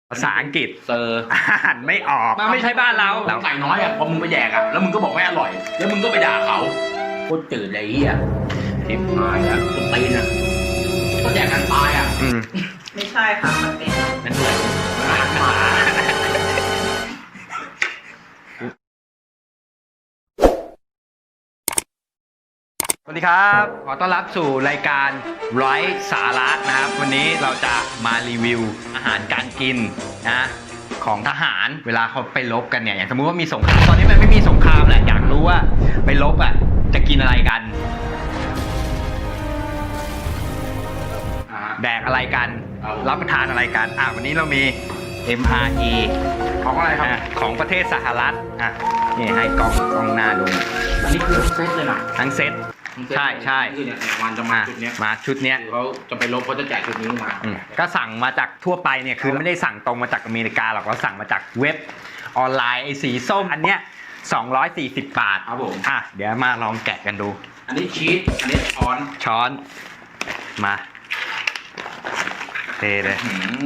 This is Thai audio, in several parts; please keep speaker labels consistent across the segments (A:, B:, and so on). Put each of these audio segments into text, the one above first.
A: ภาษาอังกฤษ
B: เซอร์
A: อ่านไม่ออก
B: มันไม่ใช่บ้านเราใส่น้อยอ่ะพอมึงไปแดกอ่ะแล้วมึงก็บอกไม่อร่อยแล้วมึงก็ไปด่าเขาโคตรจืดเลยไอ้เหี้ยทิพหายแล้วคนตีนอ่ะก็แดกกันตายอ่ะ
C: ไม่ใช่ค่ะมันเป็น
B: นั่นเหมือน
A: สวัสดีครับขอต้อนรับสู่รายการไร้สาระนะครับวันนี้เราจะมารีวิวอาหารการกินนะของทหารเวลาเขาไปรบกันเนี่ยอย่างสมมุติว่ามีสงครามตอนนี้มันไม่มีสงครามแหละอยากรู้ว่าไปรบอ่ะจะกินอะไรกันแดกอะไรกันรับประทานอะไรกันวันนี้เรามี MRE
B: ของอะไรครับ
A: ของประเทศสหรัฐนี่ให้กล้องหน้าดู
B: อันนี้คือเซตเลยนะ
A: ทั้งเซตใช่
B: คือเนี่ยวันจะมาชุดเนี้ย
A: มาชุดเนี้ย
B: คือเขาจะไปลบเขาจะแจกชุดนี้มา
A: ก็สั่งมาจากทั่วไปเนี่ยคือไม่ได้สั่งตรงมาจากอเมริกาหรอกเราสั่งมาจากเว็บออนไลน์ไอ้สีส้มอันเนี้ย240 บาท
B: ครับผม
A: เดี๋ยวมาลองแกะกันดู
B: อันนี้ชีสอันนี้ช้อน
A: มาเทเลย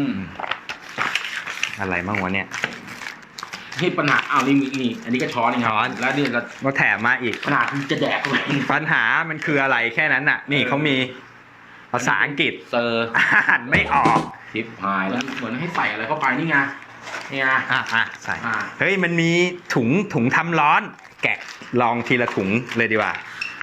A: อะไรบ้างวะเนี่ย
B: ที่ปัญหานี่อันนี้ก็ช้อนนี่ครับแล้วนี่ก็
A: ก็แถมมาอีก
B: ขนาดที่จะแดกเข้าไป
A: ปัญหามันคืออะไรแค่นั้นน่ะนี่เขามีภาษาอังกฤษ
B: เซอร์
A: อ่านไม่ออก
B: ทิปหายแล้วเหมือนให้ใส่อะไรเข้าไปนี่ไงนี่ไง
A: ใส่เฮ้ยมันมีถุงทำร้อนแกะลองทีละถุงเลยดีกว่า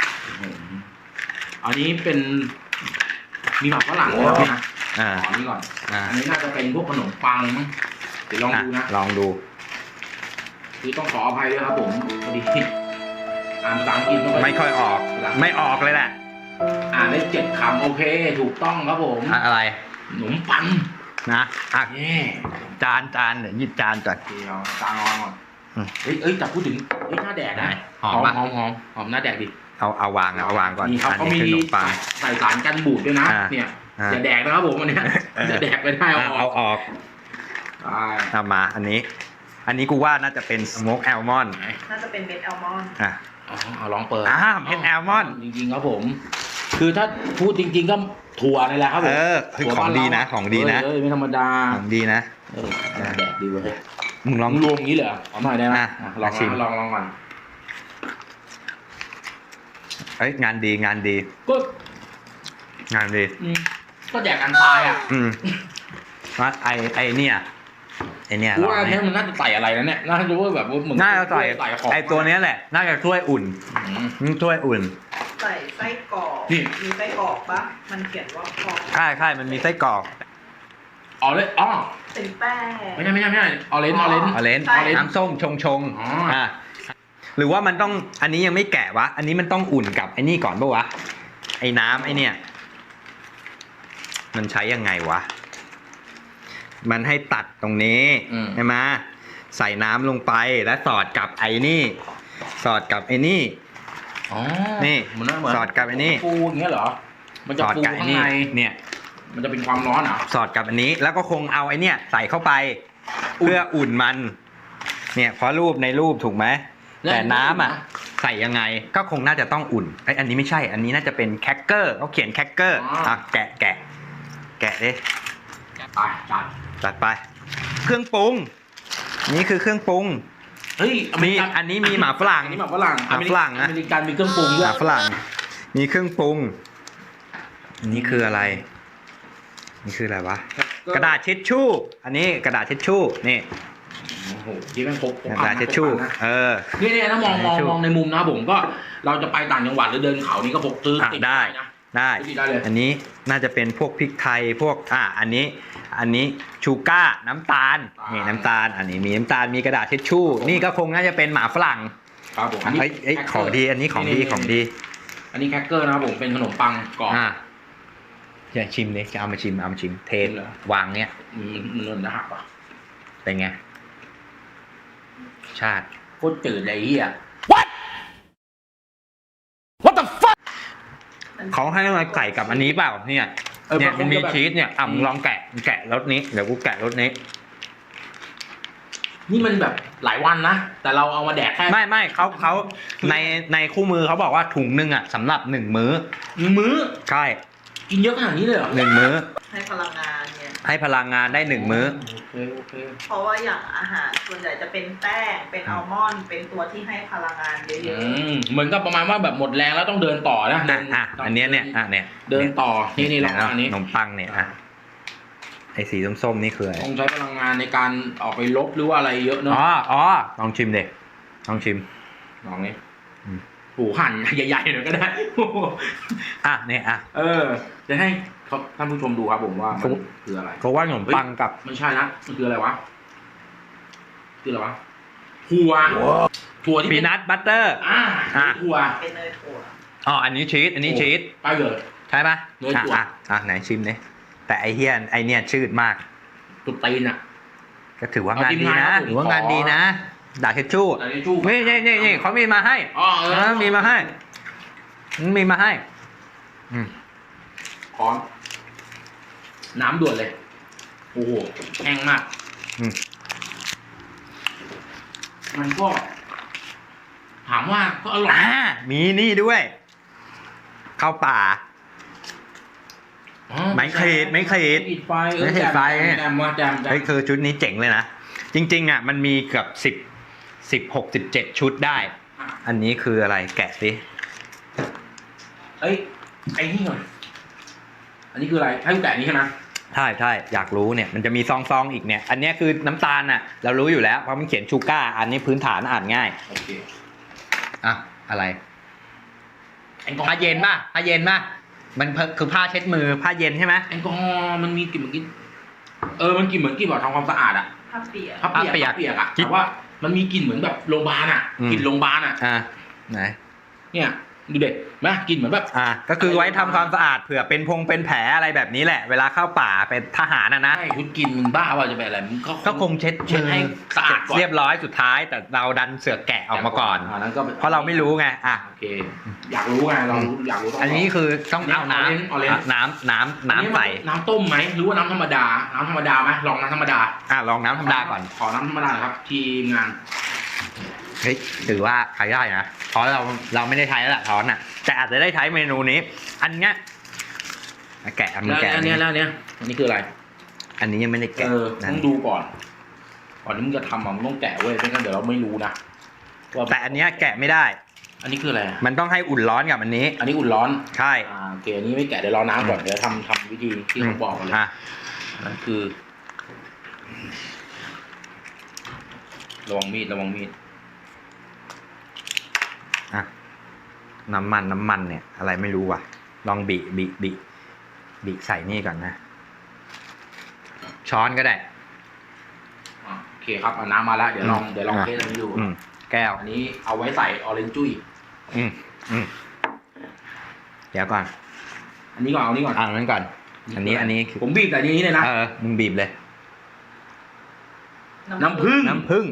B: อันนี้เป็นมีหมักฝรั่งด้วยนะอันนี้ก่อนอันนี้น่าจะเป็นพวกขนมปังมั้งเดี๋ยวลองดูนะ
A: ลองดู
B: คือต้องขออภัยด้วยครับผมพอดีอ่านภาษาอังกฤษ
A: ไม่ค่อยออกไม่ออกเลยแหละ
B: อ่านได้7 คำโอเคถูกต้องครับผม
A: อะไร
B: ขนมปัง
A: นะจานเดี๋ยวหยิบจานก่อน
B: เดี๋ยวจานวางก่อนเอ้ยแต่พูดถึงหน้าแดกนะหอมหน้าแดกดิ
A: เอาวางก่อน
B: นี่ครับเขามีใส่สารกันบูดด้วยนะเนี่ยอย่าแดกนะครับผมอันนี้จะแดกไปได้
A: เอาออกเอามาอันนี้กูว่าน่าจะเป็นสโมกแอลมอนด์
C: น่าจะเป็นเม็ดแอลมอนด์
B: เอาลองเปิด
A: เม็ดแอลมอนด์
B: จริงๆครับผมคือถ้าพูดจริงๆก็ถั่วนี่แหละครับผม
A: คือของดีนะ
B: ไม่ธรรมดา
A: ของดีนะ
B: แดกดีเว้ย
A: มึงลอง
B: รวมงี้เหรอเอาหน่อยได้ไหมลองชิมลองก่อน
A: งานดีก็งานดี
B: ก็แดกกันตาย
A: ว่าไอเนี่ย
B: ว่าเนี่ยมันน่าจะใส่อะไรนะเนี่ยน่าจะว่าแบบมึง
A: น่าจะใส่ไอตัวนี้แหละน่าจะช่วยอุ่นช่วยอุ่น
C: ใส่ไส้กรอกมีไส้กรอกปะมันเขียนว่าคอ
A: ใช่มันมีไส้กรอก
C: เป็นแป้ง
B: ไม่ใช่ออเรนจ์
A: น้ำส้มชงหรือว่ามันต้องอันนี้ยังไม่แกะวะอันนี้มันต้องอุ่นกับไอ้นี่ก่อนป่ะวะไอ้น้ำไอ้เนี่ยมันใช้ยังไงวะมันให้ตัดตรงนี้ใช่ไหมใส่น้ำลงไปแล้วสอดกับไอ้นี่สอดกับไอ้นี่นี่สอดกับไอ้นี่
B: ปูอย่างเงี้ยเหรอมันจะปูข้างใน
A: เนี่ย
B: มันจะเป็นความร้อนเหรอ
A: สอดกับอันนี้แล้วก็คงเอาไอ้เนี่ยใส่เข้าไปเพื่ออุ่นมันเนี่ยเพราะในรูปถูกไหมแต่น้ำใส่ยังไงก็คงน่าจะต้องอุ่นอันนี้ไม่ใช่อันนี้น่าจะเป็นแคคเกอร์เขาเขียนแคคเกอร์แกะดิจัดไปเครื่องปรุงนี่คือเครื่องปรุงอันนี้มีหมาฝรั่ง
B: นะอเมริกันมีเครื่องปรุง
A: ด้วยหมาฝรั่งมีเครื่องปรุงนี่คืออะไรวะกระดาษเช็ดชู่อันนี้กระดาษเช็ดชู่นี่
B: โอ้โหที่แม่งพก
A: กระดาษเช็ดชู่
B: นี่ถ้ามองในมุมนะผมก็เราจะไปต่างจังหวัดหรือเดินเขานี่ก็พกตื้อติด
A: ได้อันนี้น่าจะเป็นพวกพริกไทยพวกอันนี้ชูก้าน้ำตาลนี่น้ำตาลอันนี้มีน้ำตาลมีกระดาษเช็ดชู่นี่ก็คงน่าจะเป็นหมาฝรั่ง
B: ครับผม
A: ของดีอันนี้ของดี
B: อันนี้แคคเกอร์นะครับผมเป็นขนมปังกรอบ
A: จะชิมเลยจะเอามาชิมเทสวางเนี้ย
B: มันจะหักป่ะ
A: เป็นไงชาติ
B: โคตรจืดเลยเฮีย
A: What the fuck เขาให้อะไรไก่กับอันนี้เปล่าเนี่ยมันมีชีสเนี่ยมึงลองแกะรสนี้เดี๋ยวกูแกะรสนี้
B: นี่มันแบบหลายวันนะแต่เราเอามาแดกแค่
A: ไม่เขาในคู่มือเขาบอกว่าถุงนึงสำหรับ1 มื้อใช่
B: กินเยอะขนาดนี้เลยเหรอ
A: 1 มื้อ
C: ให้พลังงานเนี่ย
A: ให้พลังงานได้1 มื้อ
B: โอเค
C: เพราะว่าอย่างอาหารส่วนใหญ่จะเป็นแป้งเป็นอัลมอนด์เป็นตัวที่ให้พลังงานเยอะ
B: เหมือนกับประมาณว่าแบบหมดแรงแล้วต้องเดินต่อนะ
A: อันเนี้ยเนี่ยเนี่ย
B: เดินต่อนี่ลองอันนี้
A: ขนมปังเนี่ยไอ้สีส้มๆนี่คืออะไร
B: ต้องใช้พลังงานในการออกไปลบหรือว่าอะไรเยอะเนาะ
A: อ๋อลองชิมเด็กลองชิม
B: ลองนี้โอ้หั่นใหญ่ๆหน่อยก็ได้
A: เนี่ย
B: จะให้ท่านผู้ชมดูครับผมว่ามันคืออะไร
A: เขาว่าขนมปังกับ
B: ไม่ใช่นะมันคืออะไรวะถั่วที่
A: พีนัทบัตเตอร์
B: ถั่ว
C: ๆเป็นเนยถั่ว
A: อันนี้ชีสอันนี้ชีส
B: ไปเลย
A: ใช่ปะ
B: เนยถั่ว
A: ไหนชิมเนี่ยแต่ไอเฮียไอเนี่ยชืดมาก
B: ตุดตีนอ่ะ
A: ก็ถือว่างานดีนะ
B: เอาทีมงานครับผม
A: ถือว่างานดีนะด่าเชดชู่
B: อันนี้จู้
A: นี่เขามีมาให้ มีมาให้มีมาให้
B: พร้อมน้ำด่วนเลยโอ้โหแห้งมากมันก็ถามว่าก็อร่อย
A: มีนี่ด้วยข้าวป่า ไม่ขีด
B: ไฟแจมว่าแจม
A: เฮ้ยคือชุดนี้เจ๋งเลยนะจริงๆมันมีเกือบ16 17ชุดได้ อันนี้คืออะไรแกะสิ
B: ไอ้นี่ก่อนอันนี้คืออะไรให้กูแกะนี้ใช่ไหม
A: ใช่อยากรู้เนี่ยมันจะมีซองอีกเนี่ยอันนี้คือน้ำตาลเรารู้อยู่แล้วเพราะมันเขียนชูก้าอันนี้พื้นฐานอ่านง่าย
B: โอเค
A: อะไรผ้าเย็นป่ะมันคือผ้าเช็ดมือผ้าเย็นใช่ไหม
B: แอลกอฮอล์มันมีกลิ่นเหมือนกินมันกลิ่นเหมือนกลิ่นแบบทำความสะอาดอะ
C: ผ้าเปียก
B: ผ้าเปียกอะแต่ว่ามันมีกลิ่นเหมือนแบบโรงพยาบาลอะกลิ่นโรงพยาบาลอะ
A: ไหน
B: เนี่ยดูเด็กไหมกลิ่นเหมือนแบบ
A: ก็คือไว้ทำความสะอาดเผื่อเป็นเป็นแผลอะไรแบบนี้แหละเวลาเข้าป่าเป็นทหารนะ
B: ใช่คุณกินมึงบ้าว่าจะเป็นอะไรมึง
A: ก็คงเช็ด
B: ให้สะอาดก่อน
A: เรียบร้อยสุดท้ายแต่เราดันเสือกแกะออกมาก่อน
B: นั้นก็
A: เพราะเราไม่รู้ไง
B: โอเคอยากรู้ไงเราอยากรู้
A: อันนี้คือต้องเอาน้ำใส่
B: น้ำต้มไหมหรือว่าน้ำธรรมดาไหมลองน้ำธรรมดา
A: ลองน้ำธรรมดาก่อน
B: ขอน้ำธรรมดาครับทีมงาน
A: เฮ้ยถือว่าใช้ได้นะเพราะเราไม่ได้ใช้แล้วแหละช้อนแต่อาจจะได้ใช้เมนูนี้ อันเนี้ยแกะมันแกะ
B: แล้วเนี้ยอันนี้คืออะไร
A: อันนี้ยังไม่ได้แกะ
B: ต้องดูก่อนที่มึงจะทำมึงต้องแกะเว้ยไม่งั้นเดี๋ยวเราไม่รู้นะ
A: แต่อันเนี้ยแกะไม่ได้
B: อันนี้คืออะไร
A: มันต้องให้อุ่นร้อนกับอันนี้
B: อันนี้อุ่นร้อน
A: ใช่
B: โอเคอันนี้ไม่แกะเดี๋ยวรอน้ำก่อนเดี๋ยวทำวิธีที่เขาบอกกันเลยนั่นคือระวังมีด
A: น้ำมันเนี่ยอะไรไม่รู้ว่ะลองบีใส่นี่ก่อนนะช้อนก็ได้
B: โอเคครับเอาน้ำมาแล้วเดี๋ยวลองเทสอันนี้ดู
A: แก้ว
B: อันนี้เอาไว้ใส่ออเรนจ์จุ้ย
A: เดี๋ยวก่อน
B: อันนี้ก่อนเอานี้ก่อน
A: อันนั้นก่อนอันนี้คือ
B: ผมบีบแต่นี้เลยนะ
A: มึงบีบเลย
B: น้ำผึ้ง
A: น้ำผึ้ง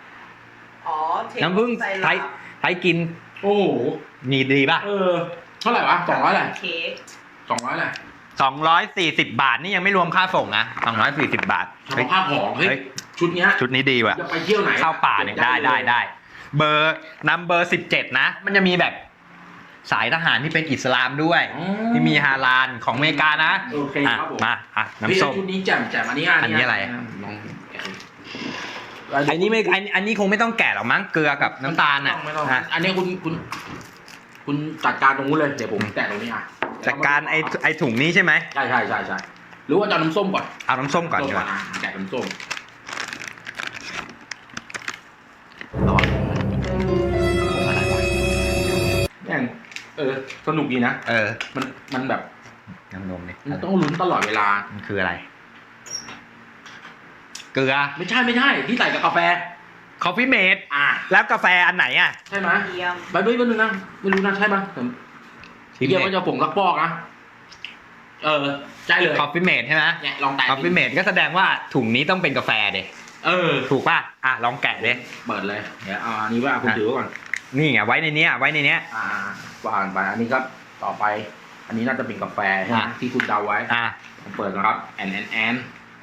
A: ใช้กิน
B: โอ้โห
A: มีดีป่ะ
B: เท่าไหร่วะ200อะไร
C: เค้ก
B: 200อะไร
A: 240 บาทนี่ยังไม่รวมค่าส่งนะ240 บาท
B: เฉพาะผ้าห่อเฮ้ยชุดนี้ดีว่ะจะไปเที่ยวไหน
A: เข้าป่าเนี่ยได้เบอร์17นะมันจะมีแบบสายทหารที่เป็นอิสลามด้วยที่มีฮาลาลของอเมริกานะ
B: โอเคครับผม
A: มาน้ำส้ม
B: ชุดนี้แจ่มอันนี้
A: อะไร
B: ลอง
A: อันนี้คงไม่ต้องแกะหรอกมั้งเกลือกับน้ำตาล
B: ไม่ต้องอันนี้คุณจัดการตรงนู้นเลยเดี๋ยวผมแตะตรงนี้
A: จัดการไอ้ถุงนี้ใช่ไหม
B: ใช่หรือว่าจะน้ำส้มก่อน
A: เอาน้ำส้มก่อนดีกว่า
B: แกะน้ำส้มอะไรวะเนี่ยสนุกดีนะมันแบบ
A: น้ำนมนี่
B: มันต้องลุ้นตลอดเวลา
A: มันคืออะไรเกลือ
B: ไม่ใช่ที่ใส่กับกาแฟ
A: คอฟฟี่เมดแล้วกาแฟอันไหน
B: ใช่ไหมไปด้วยนึงนะไม่รู้นะใช่ไหมเดี๋ยวมันจะผงลักปอกนะใช่เลย
A: คอฟฟี่เมดใช่ไหม
B: เนี่ยลองแตะ
A: คอฟฟี่เมดก็แสดงว่าถุงนี้ต้องเป็นกาแฟเด็ถูกป่ะลองแกะเลย
B: เปิดเลยเดี๋ยวอันนี้ว่าคุณถือก่อน
A: นี่ไงไว้ในนี้
B: วางไปอันนี้ก็ต่อไปอันนี้น่าจะเป็นกาแฟใช่ไหมที่คุณเดาไว้ผมเปิดนะครับแอน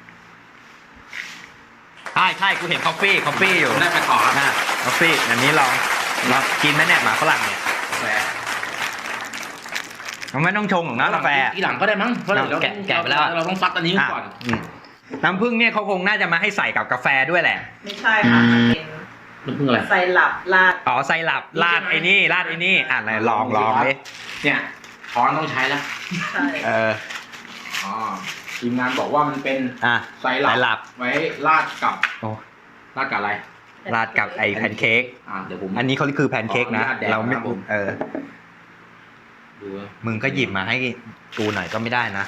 A: ใช่กูเห็นคอฟฟี่อยู่
B: ได้ไปต่อครับ
A: คอฟฟี่อันนี้ลองกินไหมเนี่ยหมาฝรั่งเนี่ย
B: กาแฟ
A: มันไม่ต้องชงหรอกนะกาแฟ
B: ทีหลังก็ได้มั้งเพราะเรา
A: แกะไปแล้ว
B: เราต้องซัดอันนี้ก่อน
A: น้ำผึ้งเนี่ยเขาคงน่าจะมาให้ใส่กับกาแฟด้วยแหละ
C: ไม่ใช่ค่ะมันเป็น
B: น้ำผึ้งอะไร
C: ไซรัปราด
A: อ๋อไซรัปราดไอ้นี่ราดไอ้นี่อ่ะไหนลองดิ
B: เนี่ยช้อนต้องใช้แล้ว
C: ใช่
B: อ๋อทีมงานบอกว่ามันเป็น
A: อ่ะ
B: ไซรัปไว้ราดกับ
A: โอ้
B: ราดกับอะไร
A: ราดกับไอ้แพนเค้ก
B: เดี๋ยวผม
A: อันนี้เขาคือแพนเค้กนะ
B: ขออนุญาตแดก
A: เราไม่
B: นะครับผม ดู
A: มึงก็หยิบมาให้กูหน่อยก็ไม่ได้นะ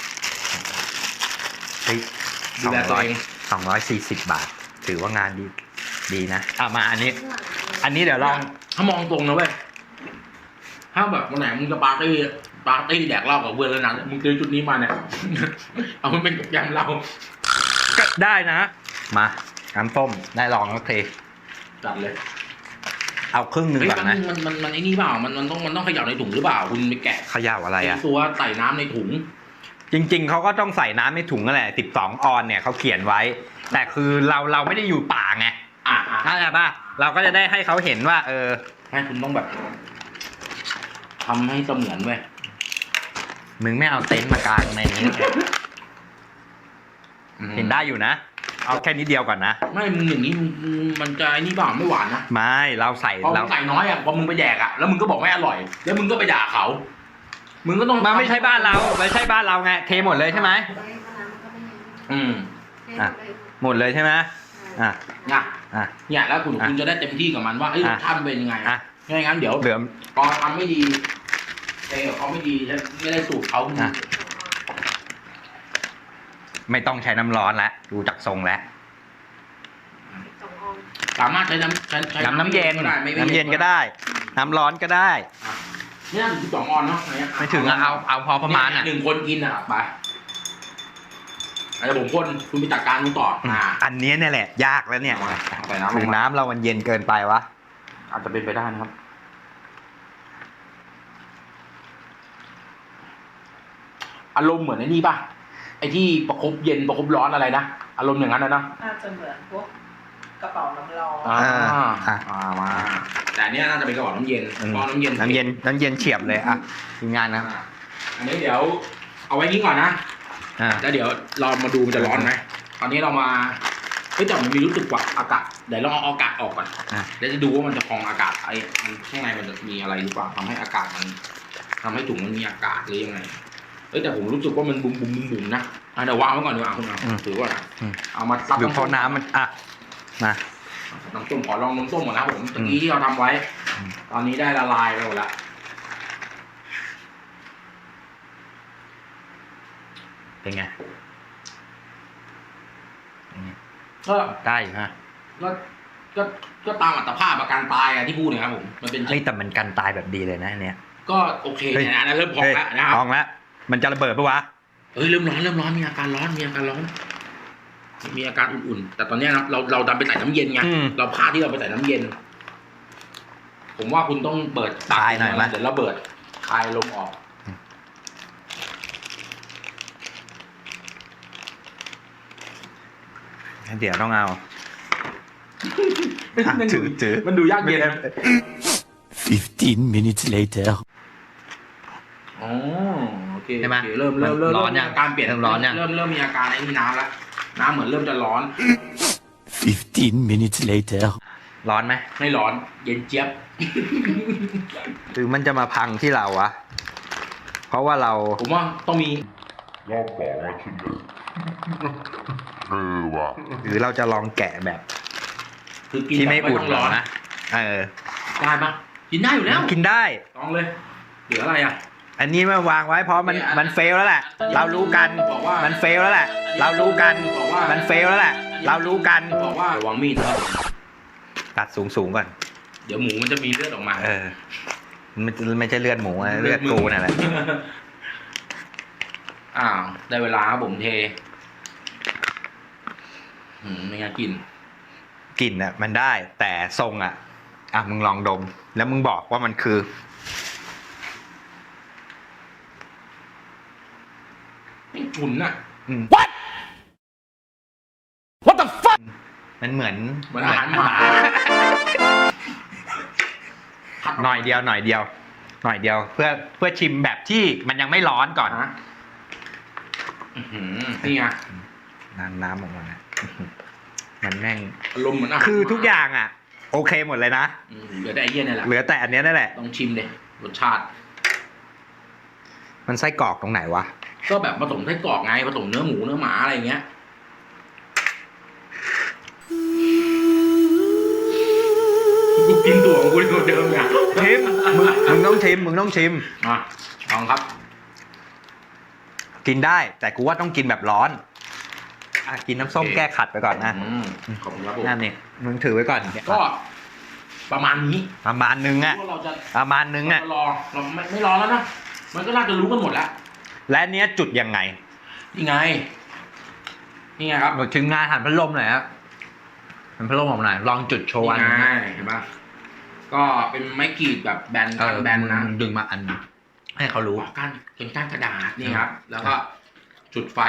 A: เฮ้ย
B: ดูแลตัวเอง
A: 240 บาท ถือว่างานดีนะมาอันนี้เดี๋ยวลอง
B: ถ้ามองตรงนะเว้ยถ้าแบบวันไหนมึงจะปาร์ตี้แดกเหล้ากับเพื่อนแล้วนะมึงซื้อชุดนี้มาเนี่ย เอามันเป็นกับยำเรา
A: ก็ได้นะ มาน้ำส้มได้ลองแล้วเท
B: จัดเลย
A: เอาครึ่งหนึ่ง
B: เฮ้ย
A: ก่อนนะ
B: มันไอ้นี่เปล่ามันต้องเขย่าในถุงหรือเปล่าคุณไปแกะ
A: เขย่าอะไรอ่ะ
B: ตัวใส่น้ำในถุง
A: จริงๆเขาก็ต้องใส่น้ำในถุงนั่นแหละ12 ออนเนี่ยเขาเขียนไว้ แต่คือเราไม่ได้อยู่ป่าไงเข้าใจป่ะเราก็จะได้ให้เขาเห็นว่า
B: ให้คุณต้องแบบทำให้เสมือนเว้ย
A: มึงไม่เอาเต็นท์มากางในนี้เห็นได้อยู่นะ เอาแค่นิดเดียวก่อนนะ
B: ไม่มึงอย่างนี้มันจะไอ้นี่เปล่าไม่หวานนะ
A: ไม่เราใส่
B: พอมึงใส่น้อยพอมึงไปแดกแล้วมึงก็บอกไม่อร่อย แล้วมึงก็ไปด่าเขา มึงก็ต้อง
A: มาไม่ใช่บ้านเราไม่ใช่บ้านเราไงเทหมดเลยใช่ไหม อ่ะ หมดเลยใช่ไหมเนี่ย
B: แล้วคุณจะได้เต็มที่กับมันว่ารสชาติมันเป็นยังไงไม่งั้นเดี๋ยว
A: เหลือ
B: พอทำไม่ดีเขาไม่ดีไม่ได้สูตรเขา
A: ไม่ต้องใช้น้ำร้อนแล้วดูจากทรงแล้ว
B: สามารถใช้
A: น้ำเย็น
B: น้ำเย็น
A: ก็ได้ น้ำร้อนก็ได้
B: ไม่น่าถึง12 ออนเนาะ
A: ไม่ถึงเอาพอประมาณ
B: 1 คนกินไปเดี๋ยวผมคนคุณไปจัดการมึงต่อ
A: อันนี้เนี่ยแหละยากแล้วเนี่ย
B: ใส่น้ำ
A: หรือน้ำเรามันเย็นเกินไปวะ
B: อาจจะเป็นไปได้นะครับอารมณ์เหมือนไอ้นี่ป่ะไอ้ที่ประคบเย็นประคบร้อนอะไรนะอารมณ์อย่างนั้นนะ
C: น่าจะเหมือนพวกกระเป๋าน้ำร้อน
B: มาแต่อันนี้น่าจะเป็นกระบอกน้ำเย็นกระน้ำเย็
A: นเฉียบเลยทีมงานนะ
B: อันนี้เดี๋ยวเอาไว้นี้ก่อนนะแล้วเดี๋ยวเรามาดูมันจะร้อนไหมตอนนี้เรามาแต่มันมีรู้สึกว่าอากาศเดี๋ยวเราเอาอากาศออกก่อนแล้วจะดูว่ามันจะพองอากาศไอ้ข้างในมันจะมีอะไรหรือเปล่าทำให้อากาศมันทำให้ถุงมันมีอากาศหรือยังไงแต่ผมรู้สึกว่ามันบุ๋มนะเดี๋ยววางไว้ก่อนดีกว่าคุณถือว่าเอามาซับ
A: หรือพอน้ำมันมา
B: น้ำส้มขอลองน้ำส้มก่อนนะผมตะกี้ที่เราทำไว้ ตอนนี้ได้ละลายไปหมดแล้ว
A: เป็นไง
B: ก็
A: ได้อยู่ฮะ
B: ก็ตามอัตภาพการตายที่พูดนะครับผมมันเป็น
A: แต่มันกันตายแบบดีเลยนะเนี่ย
B: ก็โอเคนะเริ่มพองแล้วนะครับ
A: พองแล้วมันจะระเบิดปะวะ
B: เริ่มร้อนมีอาการร้อนมีอาการอุ่นๆแต่ตอนนี้เราดันไปใส่น้ำเย็นไงเราพลาดที่เราไปใส่น้ำเย็นผมว่าคุณต้องเปิด
A: คลายหน่อยมั้ย
B: เดี๋ยวเราเปิดคลายลมออก
A: เดี๋ยวต้องเอาถือ
B: มันดูยากเย็น
D: 15 minutes later
B: โอเคใช่ไหมเริ่ม
A: ร้อนยัง
B: การเปลี่ยน
A: ร้อนยัง
B: เริ่มมีอาการไอ้นี่น้ำแล้วน้ำเหมือนเริ่มจะร้อน
D: 15 minutes later
A: ร้อนไหม
B: ไม่ร้อนเย็นเจี๊ยบ
A: หรือมันจะมาพังที่เราวะเพราะว่า
B: ผมว่าต้องมี
E: รอบสองมาชิ้นเลยว่ะ
A: หรือเราจะลองแกะแบบ
B: คือกิน
A: ที่ไม่อุ่นร้อนนะ
B: ได้ปะกินได้อยู่แล้ว
A: กินได้
B: ลองเลยเหลืออะไร
A: อันนี้มาวางไว้เพราะมันเฟลแล้วแหละเรารู้กันมันเฟลแล้วแหละเรารู้กันมันเฟลแล้วแหละเรารู้กัน
B: บอกว่าระวังมีดนะครับ
A: ตัดสูงก่อน
B: เดี๋ยวหมูมันจะมีเลือดออกมา
A: มันไม่ใช่เลือดหมูเลือดกูนั่นแหละ
B: ได้เวลาครับผมเทไม่น่ากิน
A: กลิ่นมันได้แต่ทรงมึงลองดมแล้วมึงบอกว่ามันคือ
B: ไม่ฉุน
A: What the fuck มันเหมือน
B: อาหารหมา
A: หน่อยเดียวเพื่อชิมแบบที่มันยังไม่ร้อนก่อน
B: นี่ไง
A: น้ำออกมานะมันแม่ง
B: อารมณ์เหมือนอาหาร
A: คือทุกอย่างอ่ะ โอเคหมดเลยนะ
B: เหลือแต่ไอ้เหี้ยนี่แหละ
A: เหลือแต่อันเนี้ยนั่นแหละ
B: ต้องชิมเลยรสชาติ
A: มันไส้กรอกตรงไหนวะ
B: ก็แบบผสมไส้กรอกไงผสมเนื้อหมูเนื้อหมาอะไรอย่างเงี้ยกูกินตัวของกูตัวเดิมไง
A: ชิมมึงต้องชิม
B: อ่ะลองครับ
A: กินได้แต่กูว่าต้องกินแบบร้อนอ่ะกินน้ำส้ม
B: โอเค
A: แก้ขัดไปก่อนนะ
B: ขอบคุณครับผม
A: นั่นนี่มึงถือไว้ก่อน
B: ก็ประมาณนี้
A: ประมาณนึงอ่ะ
B: ว่าเราจะ
A: ประมาณนึงอ่ะ
B: เราไม่รอแล้วนะมันก็น่าจะรู้กันหมดแล้ว
A: และเนี้ยจุดยังไง
B: นี่ไงครับ
A: หมดถึงงานหันพัดลมหน่อยครับหันพัดลมออกหน่อยลองจุดโชว์อัน
B: นี่ไงเห็นปะก็เป็นไม้กรีดแบบแบนกันแบนนะ
A: มึงดึงมาอันให้เขารู้
B: ก้านเป็นก้านกระดาษนี่ครับ แล้วก็จุดไฟ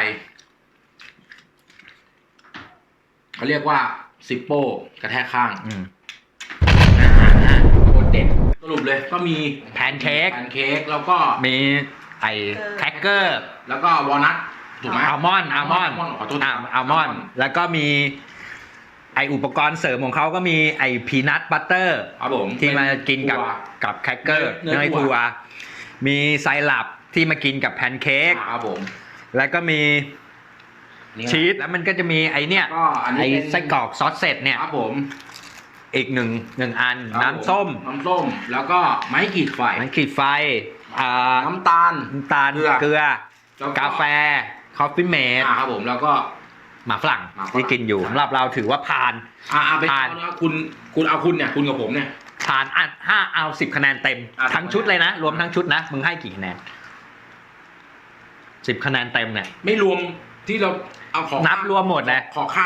B: เขาเรียกว่าซิปโป้กระแทกข้างโคตรเด็ดสรุปเลยก็มี
A: แพนเค้ก
B: แล้วก็
A: มีไอ้แครกเกอร์
B: แล้วก็วอลนัทถูกไหม
A: อัลมอนด์
B: ขอโทษ
A: อัลมอนด์แล้วก็มีไออุปกรณ์เสริมของเขาก็มีไอพีนัทบัตเตอร์
B: ครับผม
A: ที่มากินกับ
B: ถั่ว
A: แครกเกอร์
B: เนย
A: เนย
B: ถั่
A: ถั่
B: ว
A: วมีไซรัปที่มากินกับแพนเค้ก
B: ครับผม
A: แล้วก็มี
B: นี่
A: ชีสแล้วมันก็จะมีไอเนี่ย
B: ก็อันนี้
A: ไอ
B: เป็น
A: ไส้กรอกซอสเสร็จเนี่ย
B: ครับผม
A: อีกหนึ่งอัน
B: ครับ
A: น้ำส้ม
B: น้ำส้มแล้วก็ไม้ขีดไฟ
A: มันขีดไฟ
B: น้ำตาล
A: น้ำตาล
B: เกลือ
A: แล้วกาแฟคอฟฟี่เมด
B: ครับผมแล้วก็
A: หมาฝรั่ง
B: หมาฝรั่ง
A: ที่กินอยู่สำหรับเราถือว่าผ่าน
B: ไป
A: ผ่าน
B: เอาคุณเอาคุณเนี่ยคุณกับผมเนี่ย
A: ผ่านอ่ะ5เอา10คะแนนเต็ม
B: อ่ะ
A: ทั้งชุดเลยนะ รวมทั้งชุดนะ มึงให้กี่คะแนน10คะแนนเต็มเนี่ย
B: ไม่รวมที่เราเอาขอ
A: นับรวมหมดเลย
B: ขอข้าม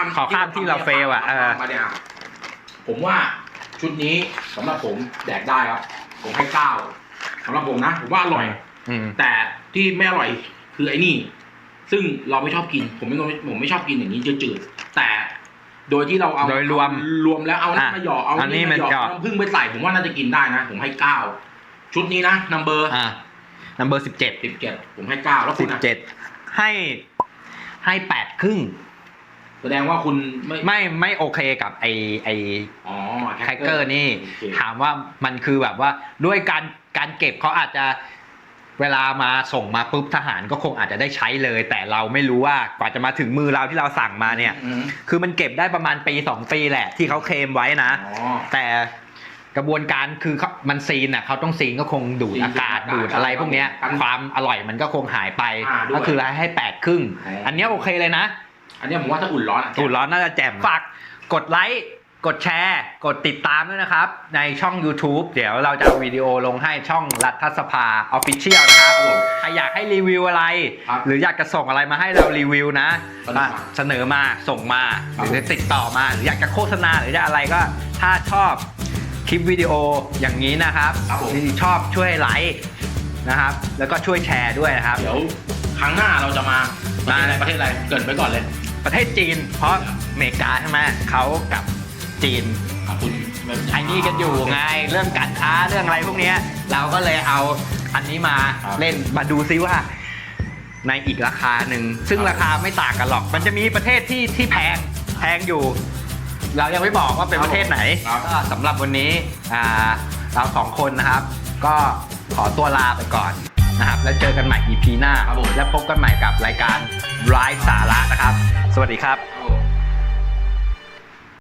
A: ที่เราเฟลอ่ะ
B: มาเนี่ยผมว่าชุดนี้สำหรับผมแดกได้ครับผมให้9สำหรับผมนะผมว่าอร่อย
A: อืม
B: แต่ที่ไม่อร่อยคือไอ้นี่ ซึ่งเราไม่ชอบกินผมไม่ชอบกินอย่างนี้จืดๆแต่โดยที่เราเอา
A: โดยรวม
B: แล้วเอาน้ำมาหยอกเอา
A: อันนี้
B: นี่มาหยอก
A: มันหยอก
B: น้ำผึ้งไปใส่ผมว่าน่าจะกินได้นะ ผมให้9ชุดนี้นะนัมเบอร์
A: นัมเบอร์17
B: 17ผมให้9แล้วคุณนะ
A: 17ให้8ครึ่ง
B: แสดงว่าคุณ
A: ไม่โอเคกับไอ
B: อ๋อ
A: แครกเกอร์นี่
B: โอเค
A: ถามว่ามันคือแบบว่าด้วยการเก็บเขาอาจจะเวลามาส่งมาปุ๊บทหารก็คงอาจจะได้ใช้เลย แต่เราไม่รู้ว่ากว่าจะมาถึงมือเราที่เราสั่งมาเนี่ย คือมันเก็บได้ประมาณปี2ปีแหละที่เขาเคลมไว้นะ
B: อ๋อ
A: แต่กระบวนการคือมันซีนอ่ะเขาต้องซีนก็คงดูดอากาศ
B: ดู
A: ดู
B: ด
A: ดอะไรพวกเนี้ย
B: กัน
A: ความอร่อยมันก็คงหายไป
B: ด้วย
A: ก็คือให้8ครึ่ง
B: อ๋ออั
A: อันเนี้ยโอเคเลยนะ
B: อันนี้ผมว่าถ้าอุ่นร้อน
A: อุ่นร้อนน่าจะแจ่มฝากกดไลค์กดแชร์กดติดตามด้วยนะครับในช่อง YouTube เดี๋ยวเราจะเอาวิดีโอลงให้ช่องรัฐสภา Official นะครับใครอยากให้รีวิวอะไร หรืออยากจะส่งอะไรมาให้เรารีวิวนะเสนอมาส่งมาหรือติดต่อมาหรืออยากจะโฆษณาหรือจะอะไรก็ถ้าชอบคลิปวิดีโออย่างนี้นะครับชอบช่วยไลค์นะครับแล้วก็ช่วยแชร์ด้วยนะครับ
B: เดี๋ยวครั้งหน้าเราจะมาประเทศอะไรเกรินไปก่อนเลย
A: ประเทศจีนเพราะอเมริกาใช่ไหมเขากับจีน
B: คุณ
A: ไอ้นี่กันอยู่ไงเรื่องการค้าเรื่องอะไรพวกเนี้ยเราก็เลยเอาอันนี้มาเล่นมาดูซิว่าในอีกราคาหนึ่งซึ่งราคาไม่ต่างกันหรอกมันจะมีประเทศที่แพงอยู่ เรายังไม่บอกว่าเป็นประเทศไหนก็สำหรับวันนี้เราสองคนนะครับ ก็ขอตัวลาไปก่อนนะครับแล้วเจอกันใหม่ EP หน้าและพบกันใหม่กับรายการไร้สาระนะครับสวัสดีครับ